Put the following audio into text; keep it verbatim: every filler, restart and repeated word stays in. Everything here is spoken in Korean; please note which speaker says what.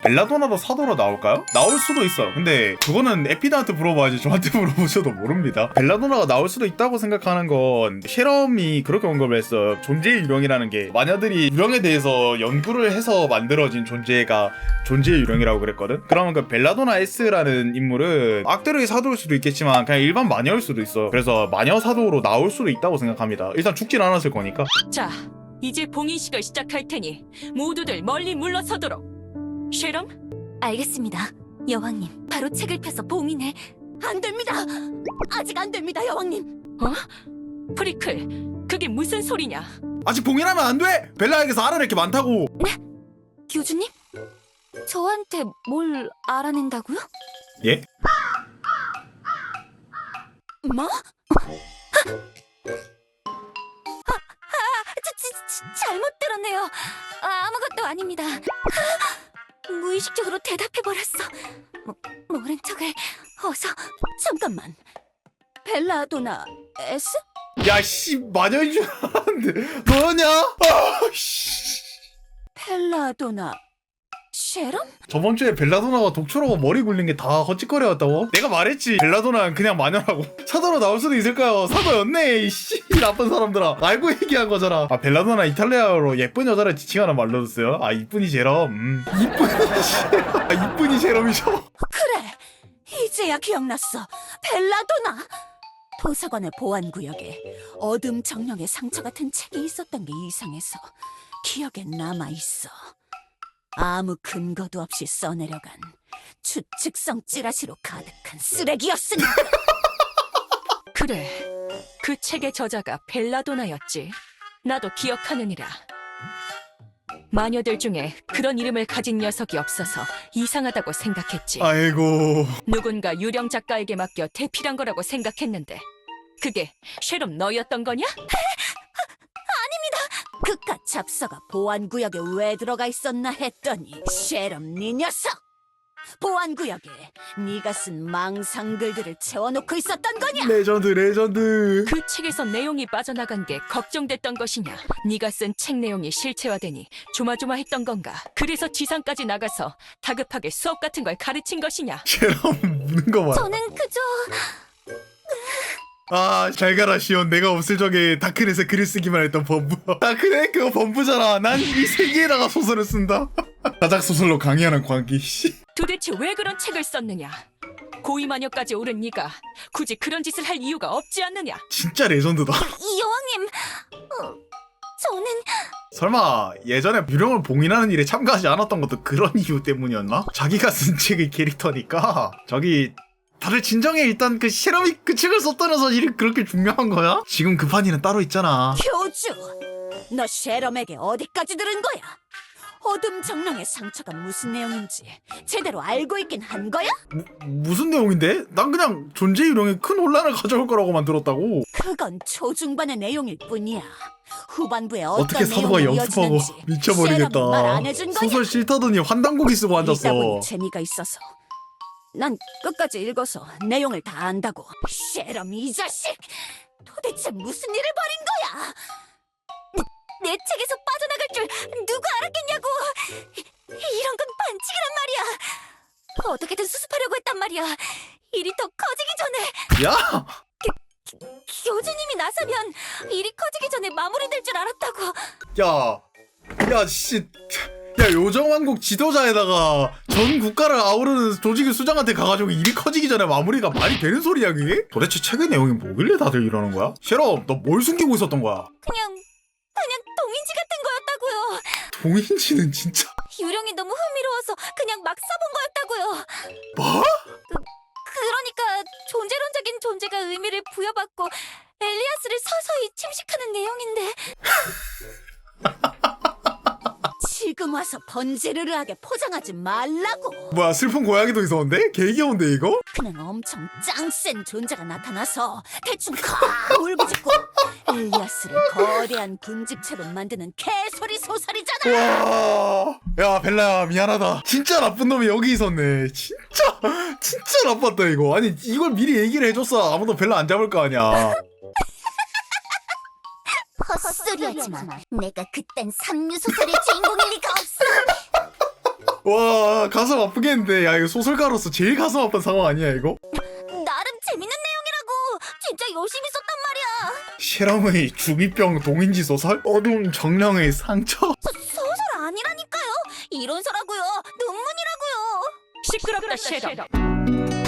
Speaker 1: 벨라도나도 사도로 나올까요? 나올 수도 있어요. 근데 그거는 에피드한테 물어봐야지 저한테 물어보셔도 모릅니다. 벨라도나가 나올 수도 있다고 생각하는 건 셰럼이 그렇게 언급을 했어요. 존재의 유령이라는 게 마녀들이 유령에 대해서 연구를 해서 만들어진 존재가 존재의 유령이라고 그랬거든. 그러면 그 벨라도나 S라는 인물은 악드의 사도일 수도 있겠지만 그냥 일반 마녀일 수도 있어. 그래서 마녀 사도로 나올 수도 있다고 생각합니다. 일단 죽진 않았을 거니까.
Speaker 2: 자, 이제 봉인식을 시작할 테니 모두들 멀리 물러서도록. 쉐럼?
Speaker 3: 알겠습니다, 여왕님. 바로 책을 펴서 봉인해. 안 됩니다. 아직 안 됩니다, 여왕님.
Speaker 2: 어? 프리클, 그게 무슨 소리냐?
Speaker 1: 아직 봉인하면 안 돼! 벨라에게서 알아낼 게 많다고!
Speaker 3: 교주님? 저한테 뭘 알아낸다고요?
Speaker 1: 예?
Speaker 3: 뭐? 아, 아, 저, 저, 저, 잘못 들었네요. 아, 아무것도 아닙니다. 아, 무의식적으로 대답해버렸어. 뭐, 모른 척을 어서. 잠깐만. 벨라도나 S?
Speaker 1: 야, 씨, 마녀인 줄 알았는데. 너였냐? 아, 씨.
Speaker 3: 벨라도나 쉐럼?
Speaker 1: 저번 주에 벨라도나가 독초라고 머리 굴린 게 다 헛짓거리였다고? 내가 말했지. 벨라도나는 그냥 마녀라고. 사도로 나올 수도 있을까요? 사도였네, 이씨. 나쁜 사람들아. 알고 얘기한 거잖아. 아, 벨라도나 이탈리아어로 예쁜 여자를 지칭하는 말로 썼어요. 아, 이쁜이 제럼. 음. 이쁜이 제럼. 아, 이쁜이 제럼이죠.
Speaker 3: 그래, 이제야 기억났어. 벨라도나. 도서관의 보안구역에 어둠 정령의 상처 같은 책이 있었던 게 이상해서 기억에 남아있어. 아무 근거도 없이 써내려간 추측성 찌라시로 가득한 쓰레기였으니.
Speaker 2: 그래, 그 책의 저자가 벨라도나였지. 나도 기억하느니라. 마녀들 중에 그런 이름을 가진 녀석이 없어서 이상하다고 생각했지.
Speaker 1: 아이고.
Speaker 2: 누군가 유령 작가에게 맡겨 대필한 거라고 생각했는데 그게 쉐럼 너였던 거냐?
Speaker 3: 그깟 잡서가 보안구역에 왜 들어가 있었나 했더니 쉐럼 네 녀석! 보안구역에 네가 쓴 망상글들을 채워놓고 있었던 거냐?
Speaker 1: 레전드, 레전드.
Speaker 2: 그 책에서 내용이 빠져나간 게 걱정됐던 것이냐? 네가 쓴 책 내용이 실체화되니 조마조마했던 건가? 그래서 지상까지 나가서 다급하게 수업 같은 걸 가르친 것이냐?
Speaker 1: 쟤랑 무는 거 봐.
Speaker 3: 저는 그저...
Speaker 1: 아, 잘 가라, 시온. 내가 없을 적에 다크넷에 글을 쓰기만 했던 범부. 다크넷 그거 범부잖아. 난 이 세계에다가 소설을 쓴다. 다작 소설로 강의하는 광기, 씨.
Speaker 2: 도대체 왜 그런 책을 썼느냐? 고위마녀까지 오른 네가 굳이 그런 짓을 할 이유가 없지 않느냐?
Speaker 1: 진짜 레전드다.
Speaker 3: 이 여왕님... 어, 저는...
Speaker 1: 설마 예전에 유령을 봉인하는 일에 참가하지 않았던 것도 그런 이유 때문이었나? 자기가 쓴 책의 캐릭터니까. 저기 다들 진정해. 일단 그 셰럼이 그 책을 썼다는 사실이 그렇게 중요한 거야? 지금 급한 일은 따로 있잖아.
Speaker 3: 교주! 너 쉐럼에게 어디까지 들은 거야? 어둠 정령의 상처가 무슨 내용인지 제대로 알고 있긴 한 거야?
Speaker 1: 무, 무슨 내용인데? 난 그냥 존재 유령에 큰 혼란을 가져올 거라고만 들었다고.
Speaker 3: 그건 초중반의 내용일 뿐이야. 후반부에 어떤
Speaker 1: 어떻게 사도가
Speaker 3: 내용이
Speaker 1: 연습하고
Speaker 3: 이어지는지
Speaker 1: 미쳐버리겠다.
Speaker 3: 말 안 해준 거야?
Speaker 1: 소설 싫다더니 환단고기 쓰고
Speaker 3: 읽다
Speaker 1: 앉았어.
Speaker 3: 보니 재미가 있어서 난 끝까지 읽어서 내용을 다 안다고. 쉐럼 이 자식! 도대체 무슨 일을 벌인 거야? 내 책에서 빠져나갈 줄 누가 알았겠냐고! 이런 건 반칙이란 말이야! 어떻게든 수습하려고 했단 말이야! 일이 더 커지기 전에!
Speaker 1: 야!
Speaker 3: 교주님이 나서면 일이 커지기 전에 마무리될 줄 알았다고!
Speaker 1: 야! 야, 씨. 야, 요정왕국 지도자에다가 전 국가를 아우르는 조직의 수장한테 가가지고 일이 커지기 전에 마무리가 말이 되는 소리야, 그게? 도대체 책의 내용이 뭐길래 다들 이러는 거야? 셰럼, 너 뭘 숨기고 있었던 거야?
Speaker 3: 그냥... 그냥 동인지 같은 거였다고요!
Speaker 1: 동인지는 진짜...
Speaker 3: 유령이 너무 흥미로워서 그냥 막 써본 거였다고요!
Speaker 1: 뭐?
Speaker 3: 그러니까 존재론적인 존재가 의미를 부여받고 엘리아스를 서서히 침식하는 내용인데 지금 와서 번지르르하게 포장하지 말라고.
Speaker 1: 뭐야, 슬픈 고양이도 있었는데? 개 귀여운데, 이거?
Speaker 3: 그냥 엄청 짱센 존재가 나타나서 대충 콱 울부짖고 엘리아스를 거대한 군집체로 만드는 개소리 소설이잖아.
Speaker 1: 와, 야, 벨라야, 미안하다. 진짜 나쁜 놈이 여기 있었네. 진짜, 진짜 나빴다, 이거. 아니, 이걸 미리 얘기를 해줬어. 아무도 벨라 안 잡을 거 아니야.
Speaker 3: 헛소리하지마. 내가 그딴 삼류소설의 주인공일 리가 없어.
Speaker 1: 와 가슴 아프겠는데. 야 이거 소설가로서 제일 가슴 아픈 상황 아니야 이거?
Speaker 3: 나름 재밌는 내용이라고. 진짜 열심히 썼단 말이야.
Speaker 1: 셰럼의 중이병 동인지 소설? 어두운 정령의 상처?
Speaker 3: 소설 아니라니까요. 이론서라고요. 논문이라고요.
Speaker 2: 시끄럽다 셰럼.